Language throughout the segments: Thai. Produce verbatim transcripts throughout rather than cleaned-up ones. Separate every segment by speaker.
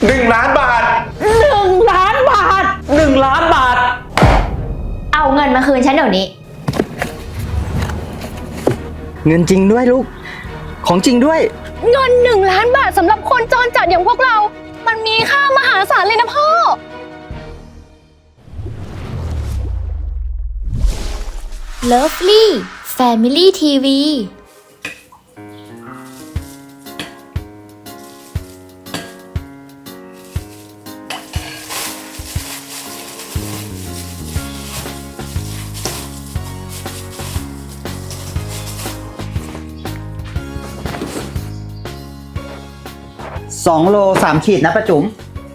Speaker 1: หนึ่งล้านบาท
Speaker 2: หนึ่งล้านบาทหนึ่งล้านบาท
Speaker 3: เอาเงินมาคืนฉันเดี๋ยวนี้
Speaker 4: เงินจริงด้วยลูกของจริงด้วย
Speaker 5: เงินหนึ่งล้านบาทสำหรับคนจรจัดอย่างพวกเรามันมีค่ามหาศาลเลยนะพ่อ
Speaker 3: Lovely Family ที วี
Speaker 4: สองโลสามขีดนะป้าจุ๋ม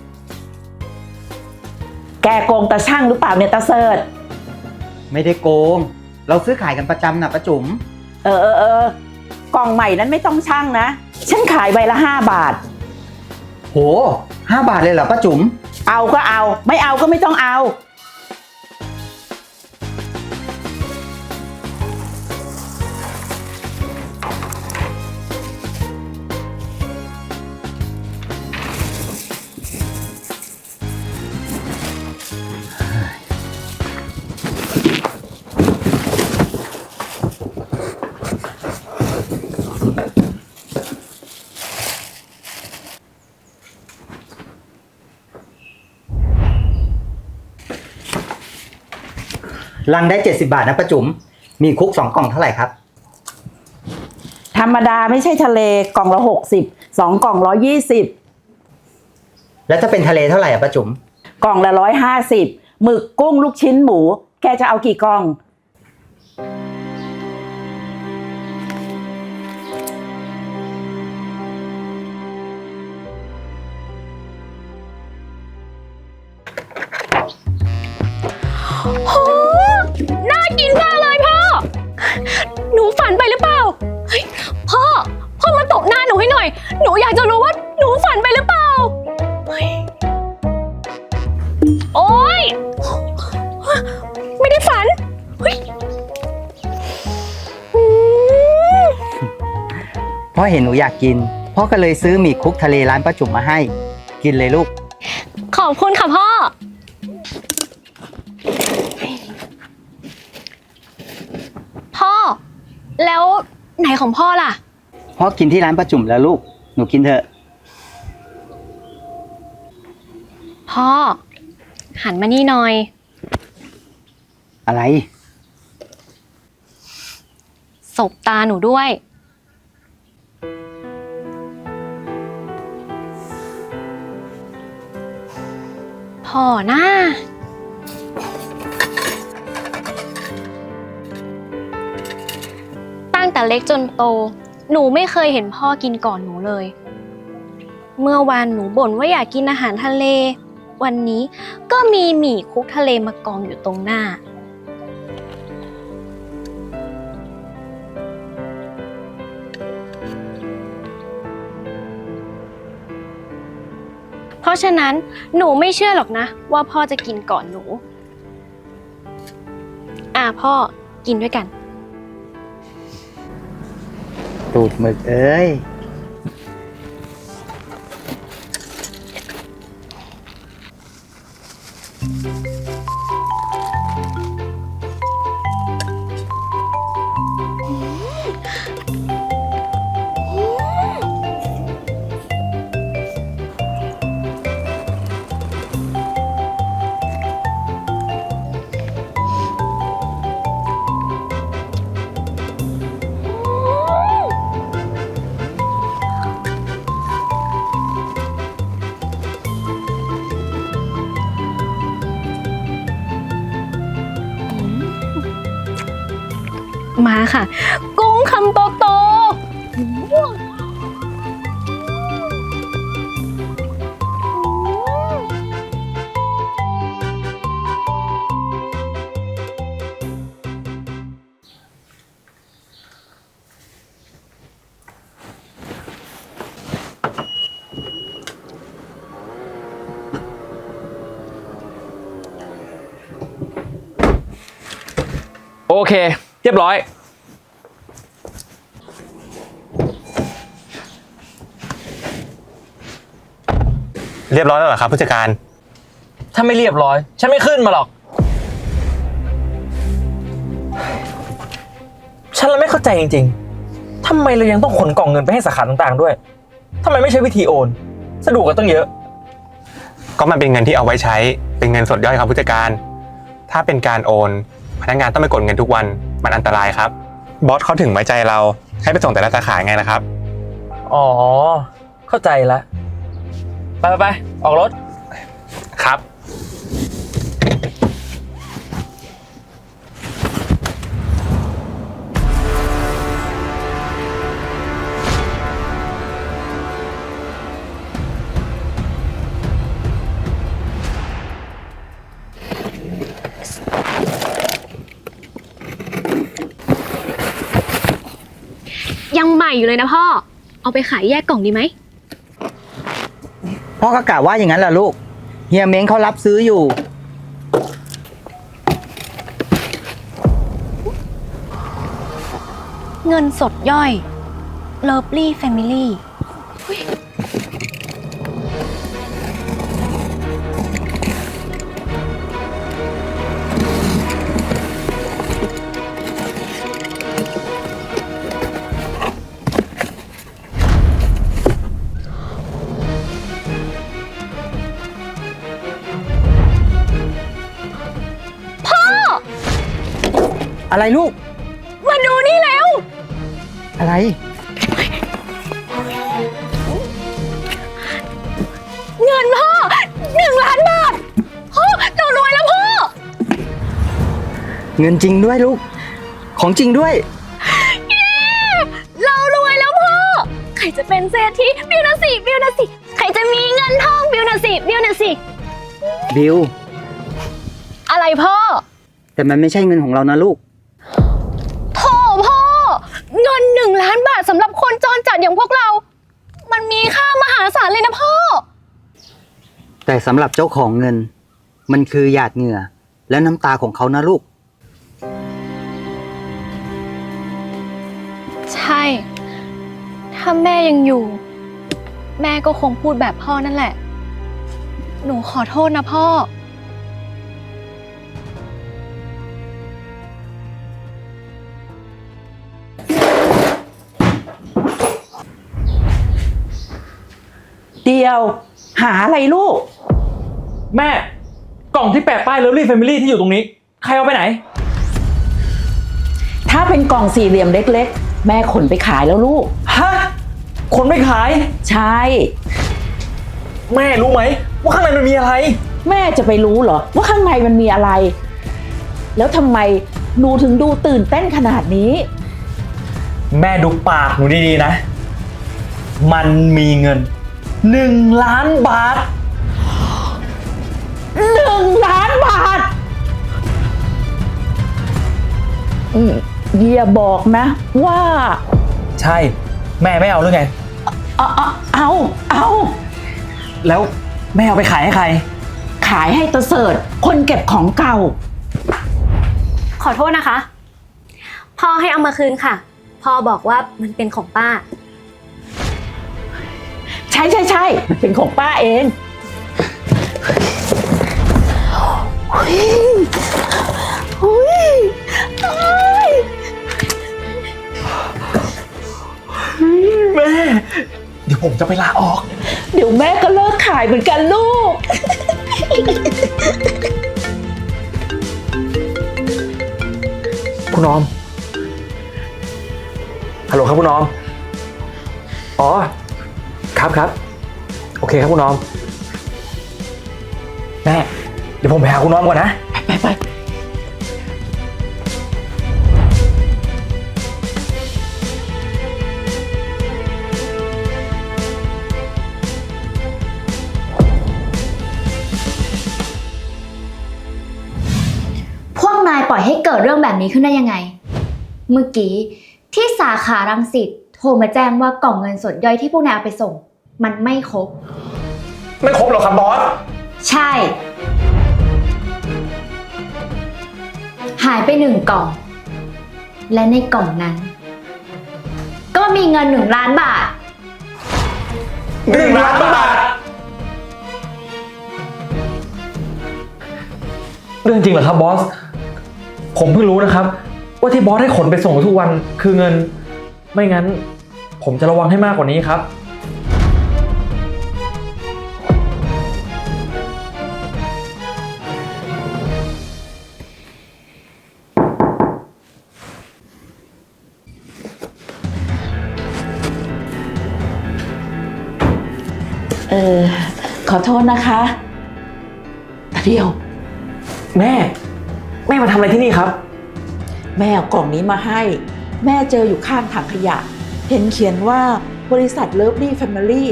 Speaker 2: แกโกงตาช่างหรือเปล่าเนี่ยตาเสิร์ช
Speaker 4: ไม่ได้โกงเราซื้อขายกันประจำนะป้าจุ๋ม
Speaker 2: เออเออเออกล่องใหม่นั้นไม่ต้องช่างนะฉันขายใบละห้าบาท
Speaker 4: โหห้าบาทเลยเหรอป้าจุ๋ม
Speaker 2: เอาก็เอาไม่เอาก็ไม่ต้องเอา
Speaker 4: ลังได้เจ็ดสิบบาทนะป้าจุ๋มมีคุกสองกล่องเท่าไหร่ครับ
Speaker 2: ธรรมดาไม่ใช่ทะเลกล่องละหกสิบสองกล่องร้อยยี่สิบ
Speaker 4: แล้วถ้าเป็นทะเลเท่าไหร่อะป้าจุ๋ม
Speaker 2: กล่องละร้อยห้าสิบหมึกกุ้งลูกชิ้นหมูแกจะเอากี่กล่อง
Speaker 5: โหน่ากินมากเลยพ่อหนูฝันไปหรือเปล่าเฮ้ยพ่อพ่อมาตบหน้าหนูให้หน่อยหนูอยากจะรู้ว่าหนูฝันไปหรือเปล่าโอ๊ยไม่ได้ฝันเฮ้ย
Speaker 4: พ่อเห็นหนูอยากกินพ่อก็เลยซื้อหมี่คุกทะเลร้านป้าจุ๋มมาให้กินเลยลูก
Speaker 5: ขอบคุณค่ะพ่อพ่อแล้วไหนของพ่อล่ะ
Speaker 4: พ่อกินที่ร้านป้าจุ๋มแล้วลูกหนูกินเถอะ
Speaker 5: พ่อหันมานี่หน่อย
Speaker 4: อะไร
Speaker 5: สบตาหนูด้วยพ่อนะตั้งแต่เล็กจนโตหนูไม่เคยเห็นพ่อกินก่อนหนูเลยเมื่อวานหนูบ่นว่าอยากกินอาหารทะเลวันนี้ก็มีหมี่คุกทะเลมากองอยู่ตรงหน้าเพราะฉะนั้นหนูไม่เชื่อหรอกนะว่าพ่อจะกินก่อนหนูอ่ะพ่อกินด้วยกัน
Speaker 4: ตูดหมึกเอ้ย
Speaker 5: มาค่ะกุ้งคำโตโต
Speaker 1: โอเคเรียบร้อย
Speaker 6: เรียบร้อยแล้วเหรอครับผู้จัดการ
Speaker 1: ถ้าไม่เรียบร้อย ฉันไม่ขึ้นมาหรอก ฉันเลยไม่เข้าใจจริงๆทำไมเรายังต้องขนกล่องเงินไปให้สาขาต่างๆด้วยทำไมไม่ใช้วิธีโอน สะดวกกันตั้งเยอะ
Speaker 6: ก็มันเป็นเงินที่เอาไว้ใช้เป็นเงินสดย่อยครับผู้จัดการ ถ้าเป็นการโอนพนักงานต้องไปกดเงินทุกวันมันอันตรายครับบอสเขาถึงไว้ใจเราให้ไปส่งแต่ละสาขาไงนะครับ
Speaker 1: อ๋อ เข้าใจแล้ว ไปไปไปออกรถ
Speaker 6: ครับ
Speaker 5: ยังใหม่อยู่เลยนะพ่อ เอาไปขายแยกกล่องดีไหม
Speaker 4: พ่อก็กะว่าอย่างนั้นแหละลูก เฮียเม้งเขารับซื้ออยู่
Speaker 5: เงินสดย่อย Lovely Family
Speaker 4: อะไรลูก
Speaker 5: มาดูนี่แล้ว
Speaker 4: อะไร
Speaker 5: เงินพ่อหนึ่งล้านบาทพ่อเรารวยแล้วพ่อ
Speaker 4: เงินจริงด้วยลูก ของจริงด้วย
Speaker 5: เรารวยแล้วพ่อ ใครจะเป็นเศรษฐีบิวนะสิบิวนะสิ ใครจะมีเงินทองบิวนะสิบิวนะสิ
Speaker 4: บิว
Speaker 5: อะไรพ่อ
Speaker 4: แต่มันไม่ใช่เงินของเรานะลูก
Speaker 5: โถพ่อ เงินหนึ่งล้านบาทสำหรับคนจรจัดอย่างพวกเรา มันมีค่ามหาศาลเลยนะพ่อ
Speaker 4: แต่สำหรับเจ้าของเงิน มันคือหยาดเหงื่อ และน้ำตาของเขานะลูก
Speaker 5: ใช่ ถ้าแม่ยังอยู่ แม่ก็คงพูดแบบพ่อนั่นแหละ หนูขอโทษนะพ่อ
Speaker 2: เดียว หาอะไรลูก
Speaker 1: แม่ กล่องที่แปะป้าย Lovely Family ที่อยู่ตรงนี้ ใครเอาไปไหน
Speaker 2: ถ้าเป็นกล่องสี่เหลี่ยมเล็กๆ แม่ขนไปขายแล้วลูก
Speaker 1: ฮะ คนไม่ขาย
Speaker 2: ใช่
Speaker 1: แม่รู้ไหมว่าข้างในมันมีอะไร
Speaker 2: แม่จะไปรู้เหรอว่าข้างในมันมีอะไร แล้วทำไมหนูถึงดูตื่นเต้นขนาดนี้
Speaker 1: แม่ดูปากหนูดีๆนะ มันมีเงินหนึ่งล้านบาท
Speaker 2: หนึ่งล้านบาทอืมอย่าบอกนะว่า
Speaker 1: ใช่ แม่ไม่เอาหรือไง
Speaker 2: เอาเอาเอาเอา
Speaker 1: แล้วแม่เอาไปขายให้ใคร
Speaker 2: ขายให้ตะเสิร์ตคนเก็บของเก่า
Speaker 5: ขอโทษนะคะ พ่อให้เอามาคืนค่ะ พ่อบอกว่ามันเป็นของป้า
Speaker 2: ใช่ใช่ใช่มันเป็นของป้าเองอุ๊ยอุ๊ย
Speaker 1: แม่ เดี๋ยวผมจะไปลาออก
Speaker 2: เดี๋ยวแม่ก็เลิกขายเหมือนกันลูก
Speaker 1: คุณออม ฮัลโหลครับคุณออม อ๋อ ครับครับ โอเคครับคุณออม แม่ เดี๋ยวผมไปหาคุณออมก่อนนะ
Speaker 2: ไปไป
Speaker 3: พวกนายปล่อยให้เกิดเรื่องแบบนี้ขึ้นได้ยังไง เมื่อกี้ที่สาขารังสิตโทรมาแจ้งว่ากล่องเงินสดย่อยที่พวกนายเอาไปส่ง มันไม่ครบ
Speaker 1: ไม่ครบหรอกครับบอส
Speaker 3: ใช่ หายไปหนึ่งกล่อง และในกล่องนั้น ก็มีเงินหนึ่งล้านบาท
Speaker 1: หนึ่งล้านบาทเรื่องจริงเหรอครับบอส ผมเพิ่งรู้นะครับ ว่าที่บอสให้ขนไปส่งทุกวันคือเงิน ไม่งั้น ผมจะระวังให้มากกว่านี้ครับ
Speaker 2: เออ ขอโทษนะคะเดียว
Speaker 1: แม่ แม่มาทำอะไรที่นี่ครับ
Speaker 2: แม่เอากล่องนี้มาให้ แม่เจออยู่ข้างถังขยะ เห็นเขียนว่าบริษัทเลิฟลี่แฟมิลี่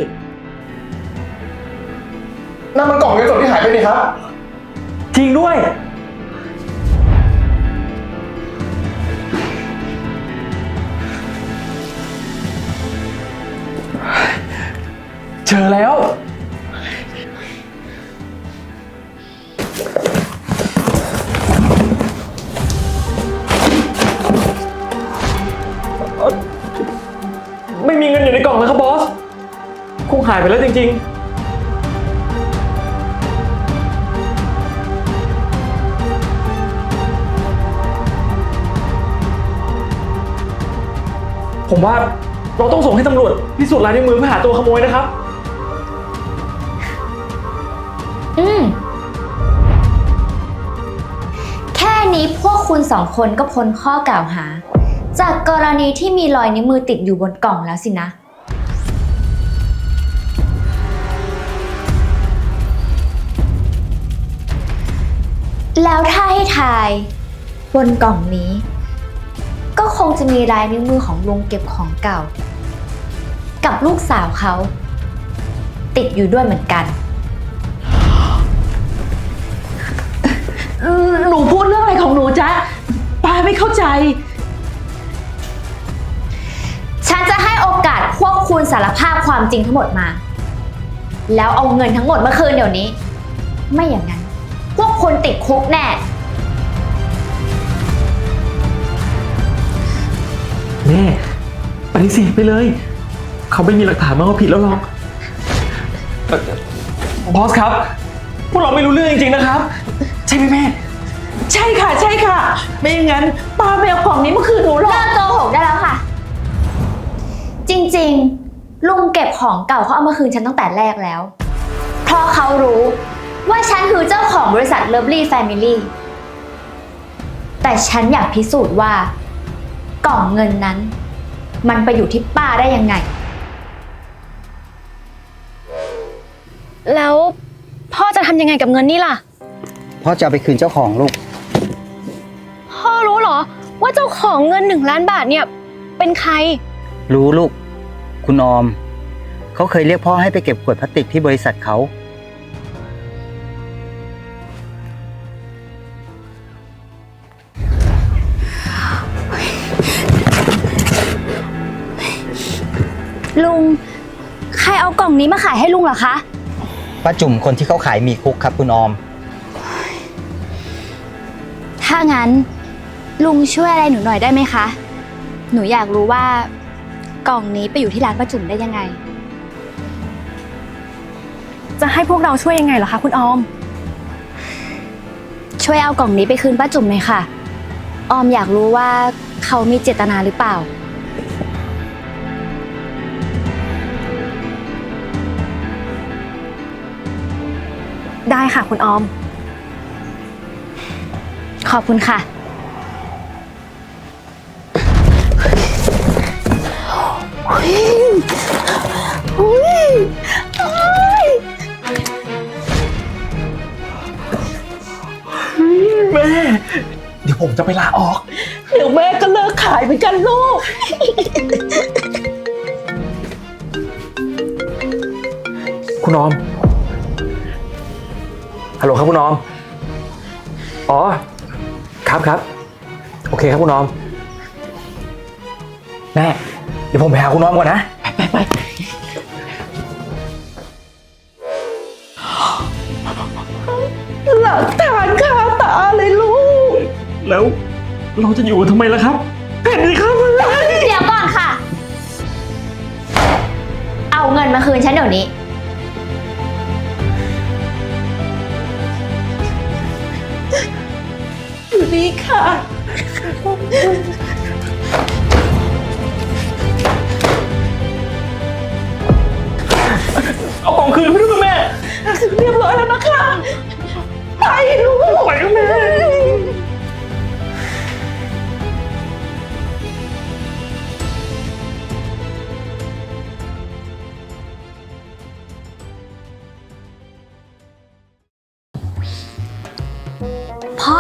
Speaker 7: นั่นมันกล่องเงินสดที่หายไปนี่ครับ
Speaker 1: จริงด้วย เจอแล้ว ไม่มีเงินอยู่ในกล่องแล้วครับบอส คงหายไปแล้วจริงๆ ผมว่าเราต้องส่งให้ตำรวจพิสูจน์ลายนิ้วมือเพื่อหาตัวขโมยนะครับ
Speaker 3: อืม แค่นี้พวกคุณสองคนก็พ้นข้อกล่าวหา จากกรณีที่มีรอยนิ้วมือติดอยู่บนกล่องแล้วสินะ แล้วถ้าให้ทายบนกล่องนี้ ก็คงจะมีลายนิ้วมือของลุงเก็บของเก่า กับลูกสาวเขา ติดอยู่ด้วยเหมือนกัน
Speaker 2: หนูพูดเรื่องอะไรของหนูจ๊ะป้าไม่เข้าใจ
Speaker 3: ฉันจะให้โอกาสพวกคุณสารภาพความจริงทั้งหมดมา แล้วเอาเงินทั้งหมดมาคืนเดี๋ยวนี้ ไม่อย่างนั้น พวกคุณติดคุกแน่
Speaker 1: แม่ปฏิเสธไปเลย เขาไม่มีหลักฐานมาว่าผิดแล้วหรอกเอ่อบอสครับ พวกเราไม่รู้เรื่องจริงๆนะครับ ใช่ไหมแม่
Speaker 2: ใช่ค่ะ ใช่ค่ะ ไม่อย่างนั้นป้าไม่เอากล่องนี้มาคืนหนูหรอก
Speaker 3: เลิกโกหกได้แล้วค่ะ จริงๆ ลุงเก็บของเก่าเขาเอามาคืนฉันตั้งแต่แรกแล้ว เพราะเขารู้ว่าฉันคือเจ้าของบริษัท Lovely Family แต่ฉันอยากพิสูจน์ว่ากล่องเงินนั้น มันไปอยู่ที่ป้าได้ยังไง
Speaker 5: แล้วพ่อจะทำยังไงกับเงินนี่ล่ะ
Speaker 4: พ่อจะเอาไปคืนเจ้าของลูก
Speaker 5: พ่อรู้เหรอ ว่าเจ้าของเงินหนึ่งล้านบาทเนี่ยเป็นใคร
Speaker 4: รู้ลูก คุณออม เขาเคยเรียกพ่อให้ไปเก็บขวดพลาสติกที่บริษัทเขา
Speaker 3: ลุง ใครเอากล่องนี้มาขายให้ลุงเหรอคะ
Speaker 4: ป้าจุ่มคนที่เขาขายหมีคุกครับคุณออม
Speaker 3: ถ้างั้น ลุงช่วยอะไรหนูหน่อยได้ไหมคะ หนูอยากรู้ว่า กล่องนี้ไปอยู่ที่ร้านป้าจุ๋มได้ยังไง
Speaker 5: จะให้พวกเราช่วยยังไงเหรอคะคุณออม
Speaker 3: ช่วยเอากล่องนี้ไปคืนป้าจุ๋มหน่อยค่ะ ออมอยากรู้ว่าเขามีเจตนาหรือเปล่า
Speaker 5: ได้ค่ะคุณออม
Speaker 3: ขอบคุณค่ะ
Speaker 1: แม่ เดี๋ยวผมจะไปลาออก
Speaker 2: เดี๋ยวแม่ก็เลิกขายเหมือนกันลูก
Speaker 1: คุณออม ฮัลโหลครับคุณออม อ๋อ ครับครับ โอเคครับคุณออม แม่ เดี๋ยวผมไปหาคุณออมก่อนนะ
Speaker 2: ไปไปหลักฐานคาตาเลยลูก
Speaker 1: แล้วเราจะอยู่กันทำไมล่ะครับแผ่นนี้ครับ
Speaker 3: เดี๋ยวก่อนค่ะ เอาเงินมาคืนฉันเดี๋ยวนี้
Speaker 2: ไนี้ค่ะ
Speaker 1: เอาของคืนไปด้วยคุณแม่
Speaker 2: เรียบร้อยแล้วนะคะ ไปลูก
Speaker 1: ไปคุณแม่
Speaker 5: พ่อ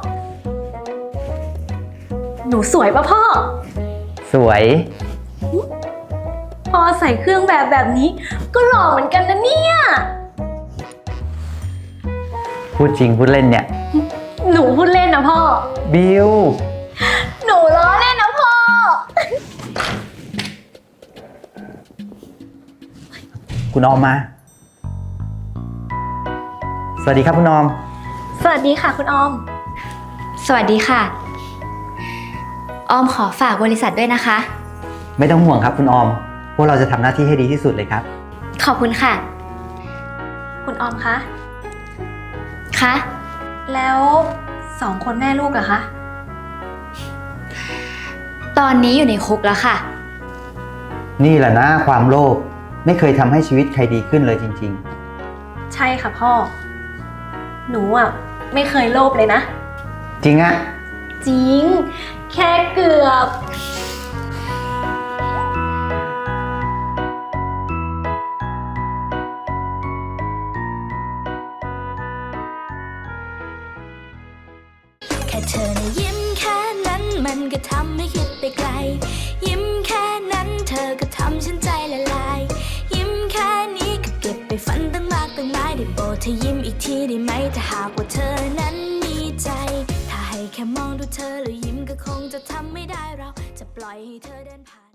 Speaker 5: หนูสวยปะพ่อ
Speaker 4: สวย
Speaker 5: พ่อใส่เครื่องแบบแบบนี้ ก็หล่อเหมือนกันนะเนี่ย
Speaker 4: พูดจริงพูดเล่นเนี่ย
Speaker 5: หนูพูดเล่นนะพ่อ
Speaker 4: บิว
Speaker 5: หนูล้อเล่นนะพ่อ
Speaker 4: คุณออมมา สวัสดีครับคุณออม
Speaker 5: สวัสดีค่ะคุณออม
Speaker 3: สวัสดีค่ะ ออมขอฝากบริษัทด้วยนะคะ
Speaker 4: ไม่ต้องห่วงครับคุณออม พวกเราจะทำหน้าที่ให้ดีที่สุดเลยครับ
Speaker 3: ขอบคุณค่ะ
Speaker 5: คุณออมคะ
Speaker 3: คะ
Speaker 5: แล้วสองคนแม่ลูกอะคะ
Speaker 3: ตอนนี้อยู่ในคุกแล้วค่ะ
Speaker 4: นี่แหละนะความโลภไม่เคยทำให้ชีวิตใครดีขึ้นเลยจริง
Speaker 5: ใช่ค่ะพ่อ หนูอะไม่เคยโลภเลยนะ
Speaker 4: ๆ จริงอะ
Speaker 5: จริง แค่เกือบ
Speaker 8: แค่เธอนะยิ้มแค่นั้นมันก็ทำให้คิดไปไกล ยิ้มแค่นั้นเธอก็ทำฉันใจละลาย ยิ้มแค่นี้ก็เก็บไปฝันตั้งมากตั้งหลายได้โปรดเธอยิ้มอีกทีได้ไหมถ้าหากว่าเธอนั้นมีใจ ถ้าให้แค่มองดูเธอแล้วยิ้มก็คงจะทำไม่ได้เราจะปล่อยให้เธอเดินผ่าน